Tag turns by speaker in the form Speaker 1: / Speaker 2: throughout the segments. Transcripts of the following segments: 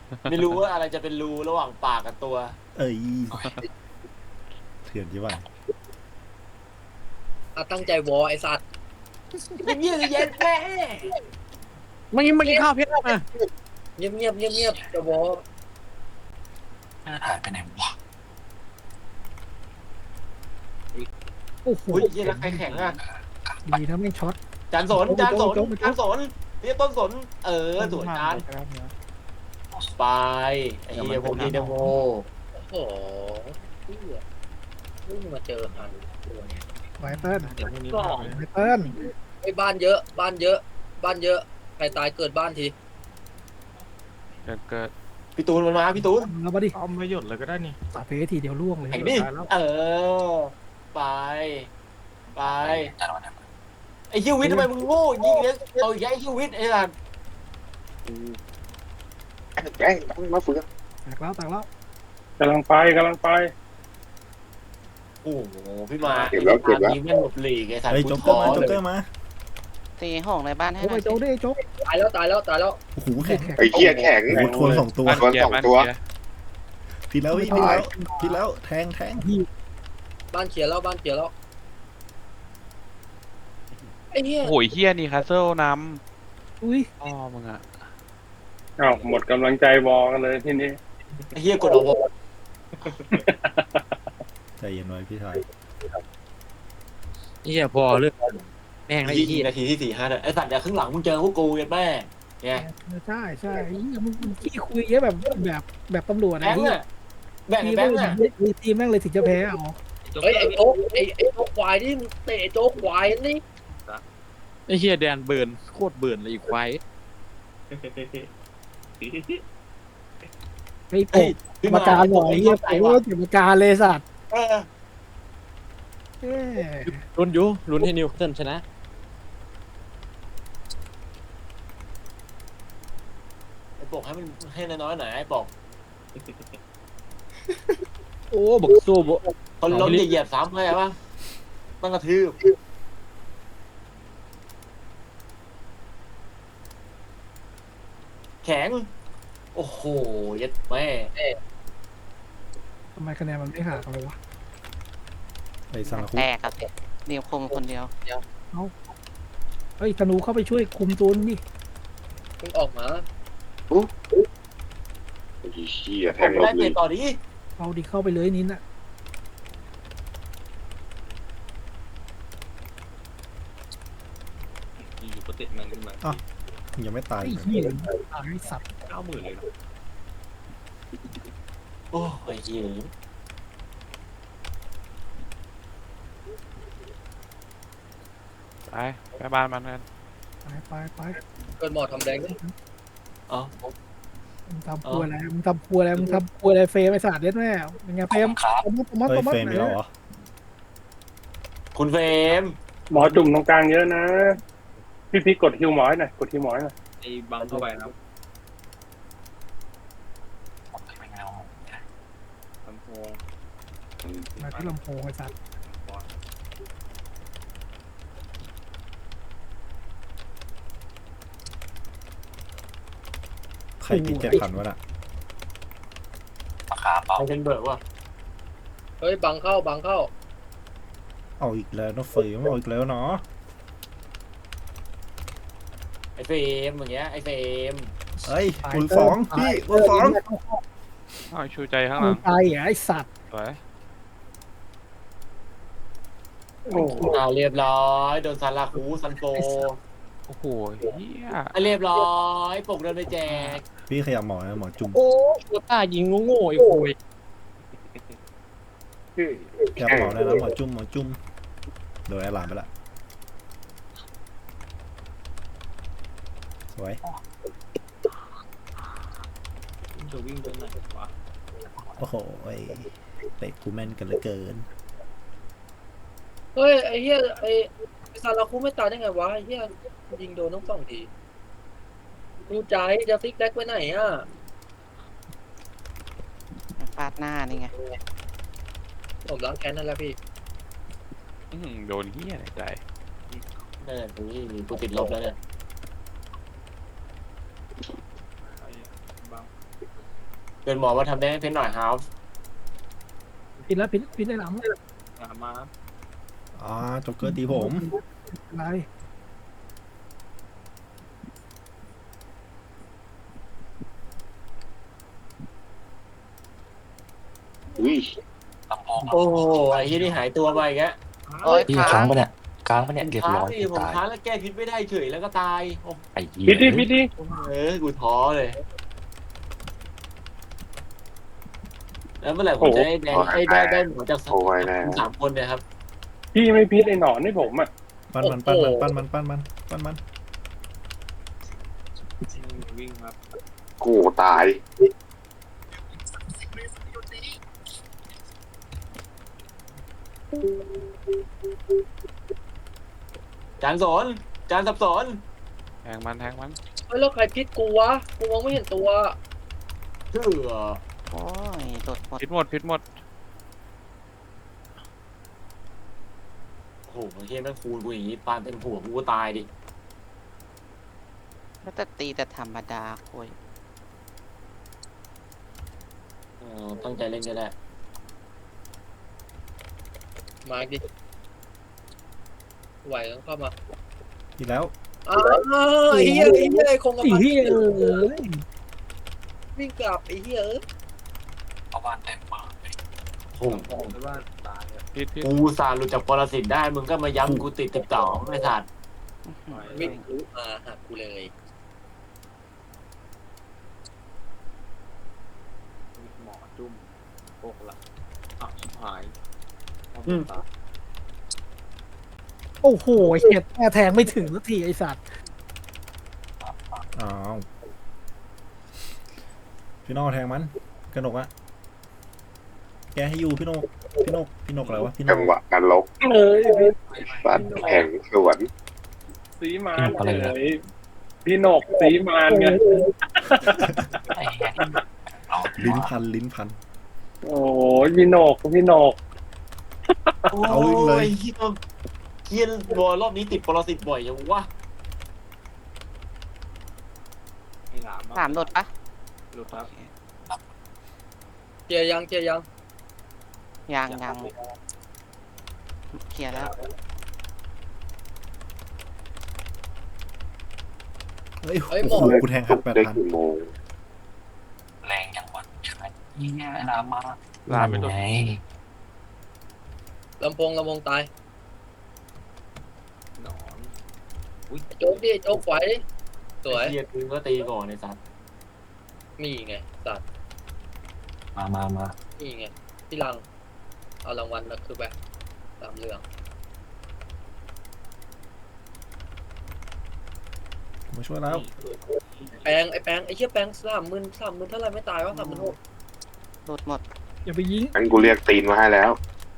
Speaker 1: ไม่รู้ว่าอะไรจะเป็นรูระหว่างปากกับตัว
Speaker 2: เอ้ยเถื่อนยี่ว่า
Speaker 3: ตั้งใจวอไอสัตว์
Speaker 1: เยี่ยเย็นแม่
Speaker 4: ไม่กินข้าวเพชรมา
Speaker 3: เงียบจะวอ
Speaker 5: หายไปไหนวะ
Speaker 6: โอ้โห
Speaker 1: อุ้ยเยี่ยแล้วใครแข็งอ่ะ
Speaker 6: ดีนะไม่ช็อต
Speaker 1: จานสนจานสนจานสนนี่ต้นสนสวยจานไปไอ้เหี้ยพวกนี้เดโม
Speaker 3: โอ้โหเหี้ยเพิ่งมาเจอฮันตัวเนี้ย
Speaker 6: ไวเติ้ล
Speaker 3: ก็
Speaker 6: ไวเติ้ล
Speaker 3: ไอ้บ้านเยอะบ้านเยอะใครตายเกิดบ้านที
Speaker 4: เกิด
Speaker 1: พี่ตูนมันมาพี่ตูน
Speaker 6: เอามาดิ
Speaker 4: เอาไม่หยุดเลยก็ได้นี่
Speaker 6: สาเพทีเดียวล่วงเลย
Speaker 1: แข่งดิไปไป
Speaker 5: แต่ละวันเนี่ย
Speaker 1: ไอ้ฮิววิททำไมมึงโง่ยิงเนี่ยเอาอีกไอ้ฮิววิทไอ้สัส
Speaker 7: แอ้มาฝึก
Speaker 6: แตกแล้ว
Speaker 8: กำลังไป
Speaker 1: โอ้โหพี่มายิงแม่งหลบหลีกไอ้สัส
Speaker 2: เฮ้ย
Speaker 1: กู
Speaker 2: โจ๊กเก
Speaker 1: ท้
Speaker 2: อ
Speaker 1: อ
Speaker 2: ร์มาโจ๊ก
Speaker 1: เล
Speaker 2: เกอย ร์มา
Speaker 9: ตีห้องในบ้านให้
Speaker 6: โจ๊ก
Speaker 9: หน่
Speaker 6: ไอ้
Speaker 9: อย
Speaker 6: โจ๊กดิโจ๊ก
Speaker 3: ตายแล้ว
Speaker 2: โอ้โหแข็ง
Speaker 7: ไอ้เหี้ยแข็ง
Speaker 2: โอ้โหทวนสองตัว
Speaker 7: ทวนสองตัว
Speaker 2: ทีแล้วทีแล้วแทง
Speaker 3: บ้านเขียนแล้วไอ้เหี้ย
Speaker 4: โอ้ยเฮียนี่คาสเซิลน
Speaker 6: อุ้ย
Speaker 4: ำอ๋อมึงอะ
Speaker 8: อ้าวหมดกำลังใจวอกันเลยทีนี้
Speaker 1: ไอ้เหี้ยกดเอา
Speaker 2: ใจเย็นไว้พี่ชาย
Speaker 4: เฮียพอเรื่องแม่งไอ้
Speaker 1: ยิ
Speaker 4: เฮี
Speaker 1: ง
Speaker 4: ย
Speaker 1: นาทีที่4-5เนี่ยไอ้สัตว์เดี๋ยวครึ่งหลังมึงเจอพวกกูกันแม่เนี่ย
Speaker 6: ใช่มึงขี้คุยเยอะแบบตำรวจ
Speaker 1: แบ
Speaker 6: นะ
Speaker 1: งค์
Speaker 6: ที่
Speaker 1: อ่ะแบงค์
Speaker 6: ทีม
Speaker 1: แบงค์อ่ะ
Speaker 6: ทีมแม่งเลยถึงจะแพ้เอา
Speaker 3: เฮ้ยไอ้โจ๊กไอ้โจ๊กควายนี่เตะโจ๊กควายนี่
Speaker 4: ไอ้เฮียแดนเบิร์นโคตรเบิร์นเลยอีกควาย
Speaker 6: ไอ้โป๊กกรรมการหล่อเหี้ยโป๊กกรรมการเลยสัตว์เอ้
Speaker 4: ลุ้นให้นิวเทิลชนะ
Speaker 1: ไอ้ปกให้มันให้น้อยๆหน่อยไอ้ปก
Speaker 4: โอ้บักโซ่บ
Speaker 1: คนล้มเหยียบซ้ำเลยป่ะต้องกระทืบแข็งโอ้โหยัดแม่
Speaker 6: ทำไมคะแนนมันไม่ห่างกันเลยวะ
Speaker 2: ไปสังคุ
Speaker 9: แตกกับนิวคมคนเดียว
Speaker 6: เฮ้ยธนูเข้าไปช่วยคุมตัวนี่
Speaker 3: มึงออกมา
Speaker 7: ไอ้เหี้ยแท
Speaker 1: ผม
Speaker 7: ง
Speaker 1: ไม่
Speaker 7: ล
Speaker 1: ได้
Speaker 7: บเล
Speaker 1: เตะ
Speaker 7: ย
Speaker 1: ต่อดิ
Speaker 6: เอาดิเข้าไปเลยนินน่ะ
Speaker 4: อยู่ปฏิมันขึ้นมา
Speaker 2: ยังไม่ตาย
Speaker 6: ไอ้เหี้ยตายสัตว์
Speaker 4: 90,000เลย
Speaker 1: โอ้ยเหี้ย
Speaker 4: ไปบ้านมันกัน
Speaker 6: ไป
Speaker 3: เกิดหมอทำแดงนี่
Speaker 1: อ๋อ
Speaker 6: มึงทำครัวอะไรเฟรมไอ้สัตว์เด็ดแม่เป็นไงเฟรมตบมัด
Speaker 2: เฮ้ยเฟรมมีแล้วเหรอ
Speaker 1: คุณเฟรม
Speaker 8: หมอจุ่มตรงกลางเยอะนะพี่กดฮิวหมอหน่อยกดฮิวหมอหน่อย
Speaker 4: ไอ้บังเข้าไปครับ
Speaker 5: ไม่เอา
Speaker 4: ลำโพง
Speaker 6: มาที่ลำโพงไอ้สัตว์
Speaker 2: ใครกิน7,000วะน่ะ
Speaker 5: ราคาเบา
Speaker 1: ใครเป็นเบิร์กวะ
Speaker 3: เฮ้ยบังเข้า
Speaker 2: เอาอีกแล้วนะเฟรมเอาอีกแล้วเนาะ
Speaker 1: ไอ้เฟรมอย่างเงี้ยไอ้เฟรม
Speaker 2: เฮ้ยคูณ2พี่คูณ2
Speaker 4: อ้าวชูใจข้างหลัง
Speaker 6: ตายไอ้สัตว์
Speaker 4: สวย
Speaker 8: โอ้โห
Speaker 1: เรียบร้อยโดนซาลาคูซันโฟ
Speaker 4: โอ้โหเฮีย
Speaker 1: เรียบร้อยปกเดินไปแจก
Speaker 2: พี่ขยับหมอนะหมอจุ่ม
Speaker 4: โอ้ตัวตายิงโง่ๆไอ้คุย
Speaker 2: ขยับหมอได้แล้วหมอจุ่มโดนแอร์ไลน์ไปละสวย
Speaker 4: จะวิ่งไปไหนวะ
Speaker 2: โอ้โหเตะกูแม่นกันเหลือเกิน
Speaker 3: เฮ้ยไอ้เหี้ยไอ้ซาลาคุไม่ตายได้ไงวะไอ้เหี้ยยิงโดนทั้งสองทีดูใจจะฟิกแบ็กไว้ไหนอ่ะ
Speaker 9: ฟาดหน้านี่ไง
Speaker 3: ผมล้างแค้นนั่นแหละพี่
Speaker 4: โดนเฮียไหนใจ
Speaker 1: นั่นแหละกูติดลบแล้วเนี่ยเกินหมอว่าทำได้ให้เพนหน่อยฮาฟ
Speaker 6: พินแล้วพินได้หลัง
Speaker 4: มา
Speaker 2: อ่าจ็อกเกอร์ตีผม
Speaker 6: อะไร
Speaker 7: อุ้ย
Speaker 5: ลำโพง
Speaker 1: โอ้ไอ้ที่นี่หายตัวไปแก
Speaker 9: โอ้ย
Speaker 5: พี่
Speaker 9: ค้า
Speaker 5: ค้าง
Speaker 9: ง
Speaker 5: ปะเนี่ยค้างปะเนี่ยเรียบ
Speaker 1: ค้าง
Speaker 5: ร้อย
Speaker 1: ดิผม
Speaker 5: ตาย
Speaker 1: ค้างแล้วแก้พิษไม่ได้เฉยแล้วก็ตายโอ้
Speaker 5: ไอ้เหี้ย
Speaker 8: พิษดิ
Speaker 1: กูท้อเลยแล้วเมื่อไหร่ผมจะได้แดงได้หมอจากสามคนเนี่ยครับ
Speaker 8: พี่ไม่พิษไอ้หนอนให้ผมอ่ะ
Speaker 2: ปั้นมัน
Speaker 4: วิ่งมา
Speaker 7: กูตาย
Speaker 1: จานสอนจานสับสน
Speaker 4: แทงมัน
Speaker 3: เฮ้ยแล้วใครพิษกูวะกูมองไม่เห็นตัว
Speaker 1: ชื่อ
Speaker 9: โอ้ยโดดหมด
Speaker 4: พิษหมด
Speaker 1: โอ้โหเฮียแม่งคูณกูอย่างนี้ปานเต็มหัวกูก็ตายดิ
Speaker 9: แล้วแต่ตีแต่ธรรมดาโอ้ย
Speaker 1: ตั้งใจเล่นก็ได้
Speaker 3: มาดิไหวต้องเข้ามา
Speaker 2: อีกแล้ว
Speaker 3: อ้าวไอ้เหี้ยคงกระ
Speaker 6: อี
Speaker 3: พัน
Speaker 6: เหี้ยเอ้ย
Speaker 3: วิ่งกลับไอ้เหี้ย
Speaker 5: เอาบ้านเต็มเปิดเลย
Speaker 1: โอ้โห
Speaker 4: พิษ
Speaker 1: กูสารหลุดจากปรสิตได้มึงก็มาย้ำกูติด12ไม่ทัน
Speaker 3: วิ่งรู้มาหากูเลย
Speaker 4: หมอจุ่มโปกละชิบหาย
Speaker 6: โอ้โหเหี้ยแทงไม่ถึงสักทีไอสัตว์
Speaker 2: อ้าวพี่นกแทงมันกระหนกอะแกให้อยู่พี่นกอะไรวะพี่น
Speaker 7: จั
Speaker 2: ก
Speaker 7: งหวะนรก
Speaker 8: เอ้ย
Speaker 7: สัตว์แห่งสวน
Speaker 8: สีมานเลยพี่หนกสีมานไง
Speaker 5: ไอ้เหี้ยเรา
Speaker 2: ลิ้นพัน
Speaker 8: โอ้ยพี่หนก
Speaker 2: เอาเลย
Speaker 1: เฮียบอลรอบนี้ติดปรสิตบ่อยยังวะ
Speaker 9: สามโดดปะ
Speaker 4: หลุดครับ
Speaker 3: เจียยัง
Speaker 9: ยังเคลียร์แล้ว
Speaker 2: เฮ้ยโอ้โหกูแทงหัด
Speaker 7: ได้
Speaker 2: 8,000
Speaker 7: กี่โมง
Speaker 5: แรงยังวันใช่ไหมเหี้ยลามา
Speaker 4: ลาไปตัว
Speaker 5: ไง
Speaker 3: ลำโพงตาย
Speaker 4: หนอน
Speaker 3: โจ๊กดิโจ๊กไหวดิสวย
Speaker 1: เฮียคือก็ตีก่อนในสัตว์
Speaker 3: มีไงสัตว์
Speaker 5: มา
Speaker 3: นี่ไงพี่ลังเอารางวัลนะคือแบบตามเรื่อง
Speaker 2: มาช่วยแล้ว
Speaker 3: ไอ้แปงไอ้เหี้ยแปง30,000เท่าไรไม่ตายวะ36,000
Speaker 9: โดดหมด
Speaker 6: อย่าไปยิง
Speaker 7: งั้นกูเรียกตีนมาให้แล้ว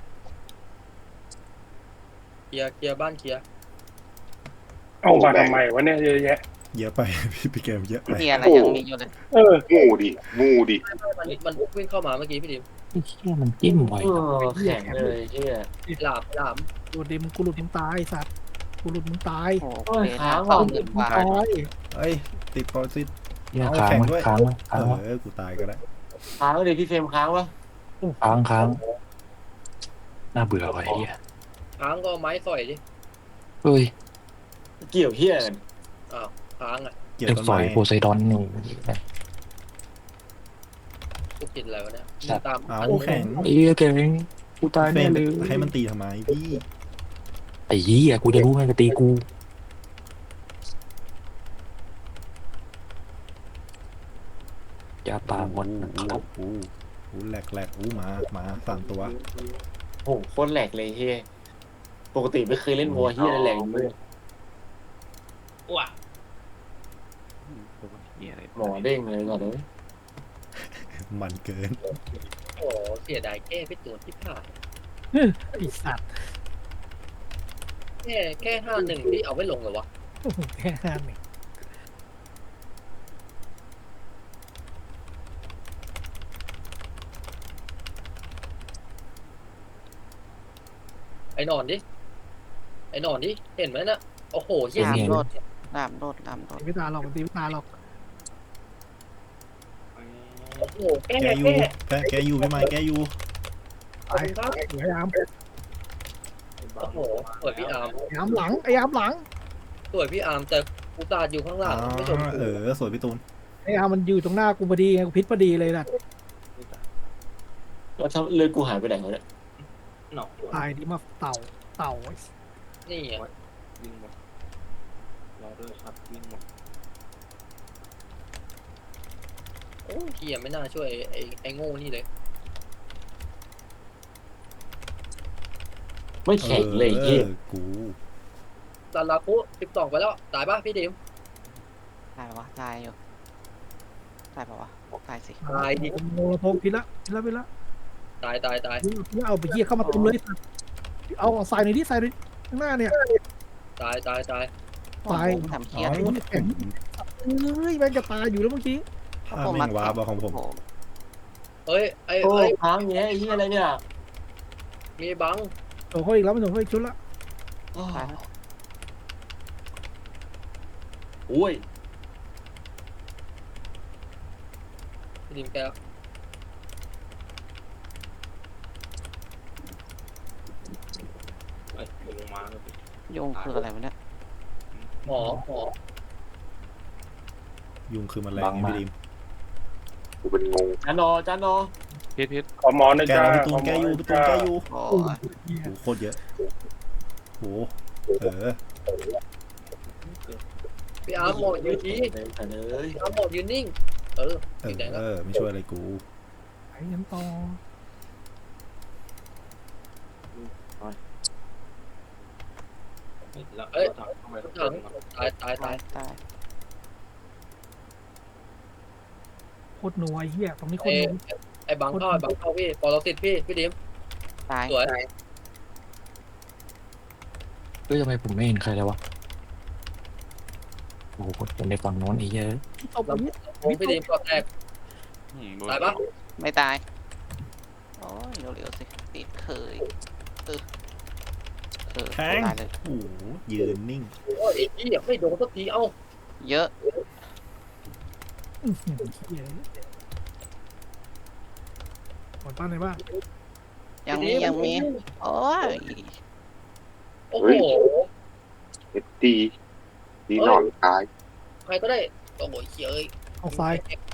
Speaker 3: เคลียร์บ้านเคลียร์
Speaker 8: เอามาทำไมวะเนี่ยเยอะแยะ
Speaker 2: เยอะไป พี่เกมเยอะไป
Speaker 9: เฮียอะไรยังมีอยู่เลย
Speaker 7: งูดิ
Speaker 3: มันวิ่งเข้ามาเมื่อกี้พี่ดิม
Speaker 5: ไอ้เหี้ยมันจิ้มไว้
Speaker 1: แข็งเลยเฮีย
Speaker 3: หลาม
Speaker 6: โดดเดมกูหลุดมึงตายไอ้สัตว์กูหลุดมึงตาย
Speaker 9: โอ้โหเฟส20,000 กว่า
Speaker 6: ตาย
Speaker 2: เอ้ยติดปรสิต
Speaker 5: เหี้ย
Speaker 2: เอา
Speaker 5: ค้าง
Speaker 2: แข่ง
Speaker 5: มั้
Speaker 2: ด้วย
Speaker 5: ค้างมั้
Speaker 2: กูตายก็ได้
Speaker 1: ค้างเลยพี่เฟรมค้างวะ
Speaker 5: ค้างน่าเบื่อไว้เหี้ย
Speaker 3: ค้างก็ไม้สอยดิ
Speaker 5: เฮ้ย
Speaker 1: เกี่ยวเฮียกัน
Speaker 3: ค้างอ่ะ
Speaker 2: เกี่ยว
Speaker 5: จะ
Speaker 2: ต้น
Speaker 5: สอ
Speaker 2: ไม้
Speaker 5: ยโพไซดอนนี่
Speaker 3: กูกินอะไรวะเนี่ยตาม
Speaker 2: เอาแข่ง
Speaker 5: ไอ้เหี้ยเก่งกูตาย
Speaker 2: เฟร
Speaker 5: แน่
Speaker 2: ม
Speaker 5: เลย
Speaker 2: ให้มันตีทำไมพี่
Speaker 5: ไอ้เหี้ยกูจะรู้ไงจะตีกูยาปาหมดนะครับ
Speaker 2: อู้แหลกมา3 ตัว
Speaker 1: โอ้โหโคตรแหลกเลยเฮียปกติไม่เคยเล่นวัวเฮียแหลกเลย
Speaker 3: ว่ะ
Speaker 1: หมอเด้งเลยก่อนเลย
Speaker 2: มันเกิน
Speaker 3: โอ้เสียดายแก้ไปตัวที่ผ่าน
Speaker 6: ไอสัตว์
Speaker 3: แค่51ที่เอาไว้ลงเหรอวะ
Speaker 6: โอ้โหแค่นั้นเอง
Speaker 3: ไอ้หนอนดิเห็นไหมน่ะโอ้โหเหี้ย
Speaker 9: สามโดดลามโดด
Speaker 6: ตีไม่ตายหรอกมันตีไม่ตายหรอก
Speaker 3: โอ้โหแก้
Speaker 2: แกอยู่
Speaker 3: แก้
Speaker 2: แกอยู่พี่ไม้แกอยู่
Speaker 3: ขอบคุณครับ
Speaker 6: สวยไอ้อาร์ม
Speaker 3: โอ้โหสวยพี่อาร์ม
Speaker 6: ไอ้อาร์มหลังไอ้อาร์มหลัง
Speaker 3: สวยพี่อาร์มแต่กูตาดอยู่ข้างหลังไม่ชม
Speaker 2: สวยพี่ตูน
Speaker 6: ไอ้อาร์มมันอยู่ตรงหน้ากูพอดีไงกูพิษพอดีเลยนะ
Speaker 1: แล้วถ้าเลือดกูหายไปไหนวะเนี่ย
Speaker 6: ตายดีมาเต่าเต่า
Speaker 3: นี่อ่ะ
Speaker 4: วิ่งหมดรอด้วยครับวิ่งหมด
Speaker 3: โอ้เฮียไม่น่าช่วยไอ้โง่นี่เลย
Speaker 1: ไม่แข็งเลยเฮีย
Speaker 2: กู
Speaker 3: ซาลาคุ12ไปแล้วตายป่ะพี่ดิม
Speaker 9: ตายปะวะตายอยู่ตายปะวะตายสิ
Speaker 3: ตายดิ
Speaker 6: โมโลโทพิษละพิษละ
Speaker 3: ตาย
Speaker 6: เอาไปเหี้ยเข้ามาตุ้มเลยเอาใส่หน่อยดิใส่หน่อยข้างหน้าเนี่ย
Speaker 3: ตาย
Speaker 6: ตาย
Speaker 9: ทำเคีย
Speaker 6: ไอ้นี่แข็งเอ้ยแม่งจะตายอยู่แล้วเมื่อกี้
Speaker 2: แม่งว้าบของผม
Speaker 3: เฮ้ยไอ้
Speaker 1: โอ้ค้างเงี้ยไอ้เฮียอะไรเนี่ย
Speaker 3: มีบัง
Speaker 6: โอ้โหอีกแล้วมันโดนเขาอีกชุดละ
Speaker 9: ตายแล้ว
Speaker 1: โอ้ย
Speaker 3: พี่ดิมแก
Speaker 4: ลงมาแล้ว
Speaker 9: โยงคืออะไรวะเนี่ย
Speaker 3: หมอ
Speaker 2: ยุงคือมันแรงพี่ดิม
Speaker 7: กูเป็นงง
Speaker 1: จานอ
Speaker 4: พิษ
Speaker 8: ขอหมอหน่อย
Speaker 2: แก
Speaker 8: จ้า
Speaker 2: เราพี่ตูนแกอยู่พี่ตูนแกอยู่
Speaker 9: โอ้
Speaker 6: โอ้
Speaker 9: ย
Speaker 6: ย
Speaker 2: โอ้โคตรเยอะโห
Speaker 3: พี่อาร์มหมอยืนดี
Speaker 1: แต่เลย
Speaker 3: พี่อาร์มหมอยืนนิ่ง
Speaker 2: ไม่ช่วยอะไรกู
Speaker 6: ไอ้ยันต่อ
Speaker 3: เอ้ย
Speaker 4: ทำไมต้อง
Speaker 3: ถังตาย
Speaker 9: ตายตาย
Speaker 6: โคตรนัวไอ้เหี้ยตรงนี้โคตร
Speaker 3: ไอ้
Speaker 6: นัว
Speaker 3: ไอ้บังเข้าพี่ปอเราติดพี่ดิม
Speaker 9: ตาย
Speaker 3: สวย
Speaker 5: เฮ้ยทำไมผมไม่เห็นใครเลยวะโอ้โหเป็นในฝั่งโน้นไอ้เหี้ยอะ
Speaker 6: เอาไป
Speaker 3: ลำพี่ดิมก็แตกตายปะ
Speaker 9: ไม่ตายโอ้ยเร็วๆสิติดเคย
Speaker 2: แข็ง
Speaker 9: ตายเลย
Speaker 2: โอ้ยืนนิ่ง
Speaker 3: โอ้ยไอ้เหี้ยไม่โดนสักทีเอ้า
Speaker 9: เยอะ
Speaker 6: เหี้ยหมดป้านไหนบ้าง
Speaker 9: ยังมีโอ้ย
Speaker 3: โอ้โห
Speaker 7: เอ็ดดีดีหนอนตาย
Speaker 3: ใครก็ได้โอ้โหเฮ้ย
Speaker 6: เอาซ้าย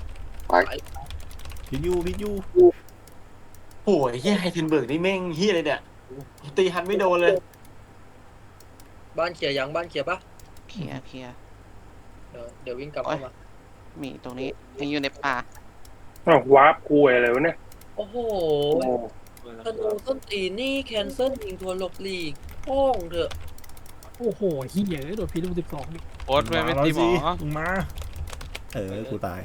Speaker 2: พี่ยู
Speaker 1: โอ้ยเฮียไฮเทนเบิร์กนี่แม่งเฮียเลยเนี่ยตีฮันไม่โดนเลย
Speaker 3: บ้านเขียยังบ้านเขียปะ
Speaker 9: เคลียร์
Speaker 3: เดี๋ยววิ่งกลับเข้ามา
Speaker 9: มีตรงนี้ยังอยู่ในป่า
Speaker 8: อ้าววาร์ปกูอะไรวะเนี่ย
Speaker 3: โอ้โห
Speaker 8: โอ้
Speaker 3: ธนูต้นตีนี่แคนเซิลยิงทัวร์หลบหลีกห้องเถอะ
Speaker 6: โอ้โหเหี้ยโดนพิษลูก12นี่
Speaker 4: โอ๊ตไม่ตีหมอ
Speaker 2: มึงมากูตาย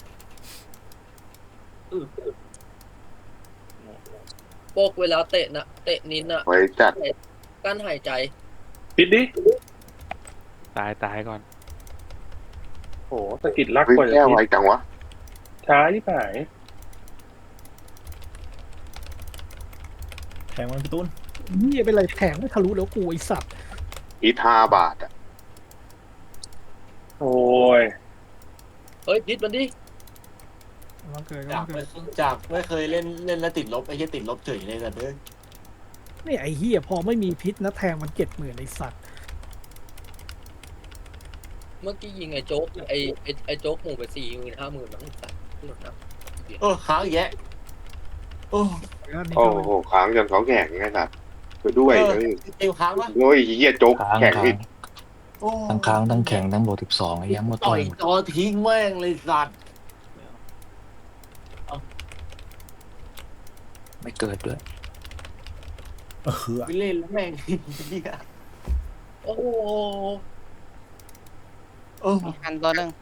Speaker 3: โปกเวลาเตะนินอะ
Speaker 7: ไว้จัด
Speaker 3: กั้นหายใจ
Speaker 8: ปิดดิ
Speaker 4: ตายก่อน
Speaker 8: โอ้สะกิดรัก
Speaker 7: เฮ้ย
Speaker 8: กว่า
Speaker 7: แก้
Speaker 8: จะ
Speaker 7: ไวจังวะ
Speaker 8: ช้าที่หาย
Speaker 2: แทงมันพี่ตูน
Speaker 6: เหี้ยเป็นไรแทงไม่ทะลุแล้วกูไอสัตว์
Speaker 7: อีทาบาทอ่ะ
Speaker 8: โอ้ย
Speaker 3: เฮ้ยพิษมันดิ
Speaker 6: มันเกิด
Speaker 1: จากไม่เคยเล่นแล้วติดลบไอ้เฮียติดลบเฉยเลยแต่เด้อ
Speaker 6: นี่ไอ้เหี้ยพอไม่มีพิษนะแทงมัน70,000ไอสัตว์
Speaker 3: เมื่อกี้ยิงไอ้โจ๊กไอ้โจ๊กหมู่ไป40,000 50,000มั้งสัตว์พูดนะ
Speaker 1: ค้างแยะโอ้
Speaker 6: แล้วนี่
Speaker 7: โอ้
Speaker 6: ก็
Speaker 7: โหค้างจนเขาแข็งไงสัตว์ไปด้วยเลย
Speaker 1: ติวค้างปะ
Speaker 7: โอ้ยเหี้ยโจ๊ก
Speaker 5: ค้าง
Speaker 7: แข็งอีก
Speaker 1: โอ้
Speaker 5: ทั้งค้างทั้งแข็งทั้งโบ12ไอ้เหี้ยมา
Speaker 1: ต่
Speaker 5: ต่
Speaker 1: อ
Speaker 5: อย ย
Speaker 1: จอทิ้งแม่งเลยสัตว์
Speaker 5: ไม่เกิดด้วย
Speaker 1: ไปเล่นแล้วแม่งเฮีย
Speaker 3: โอ้โห
Speaker 9: มีคันตัวหนึ่ง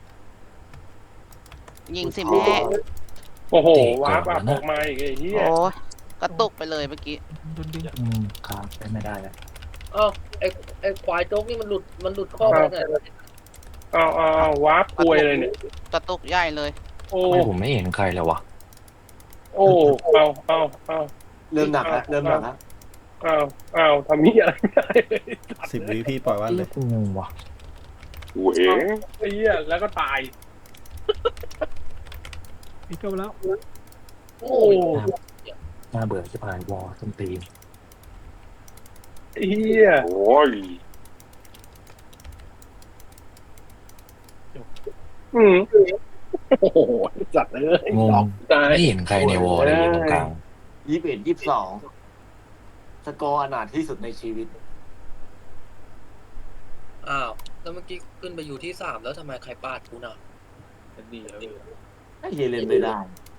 Speaker 9: ยิงสิแม่
Speaker 8: โอ้โหวาร์ปอัพออกมาอีกไอ้เหี้ย
Speaker 9: โอ้ยกระตุกไปเลยเมื่อกี้
Speaker 6: โดนดึง
Speaker 5: ค้างไม่ได้แล้ว
Speaker 3: เอ้าไอ้ควายโจ๊กนี่มันหลุดข้อไปไหน
Speaker 8: เอาวาร์ปกูอะไรเนี่ย
Speaker 9: กระตุกใหญ่เลย
Speaker 8: โอ้
Speaker 5: ทำไมผมไม่เห็นใครเลยวะ
Speaker 8: โอ้เอา
Speaker 1: เริ่มหนักแล้ว
Speaker 8: เอาทำนี้อะไรไม่ได้
Speaker 2: 10 วิพี่ปล่อยวันเลย
Speaker 5: กูงงว่ะ
Speaker 7: โอ้ย
Speaker 8: ไอ้เหี้ยแล้วก็ตาย
Speaker 6: พิปิดจบแล้ว
Speaker 3: โอ้ย
Speaker 5: น่าเบื่อจะผ่านวอลต้นตีน
Speaker 8: เฮีย
Speaker 7: โอ้ย
Speaker 8: โอ้โหจัดเลย
Speaker 5: งง
Speaker 8: ตาย
Speaker 5: ไม่เห็นใครในวอลเลยอยู่ตรงกลาง
Speaker 1: 21-22สกอร์อนาถที่สุดในชีวิต
Speaker 3: อ้าวแล้วเมื่อกี้ขึ้นไปอยู่ที่3แล้วทำไมใครปาดกูน่ะ
Speaker 4: เป็นดีแล้ว
Speaker 1: ไอ้เหี้ยเล่นไม่ได้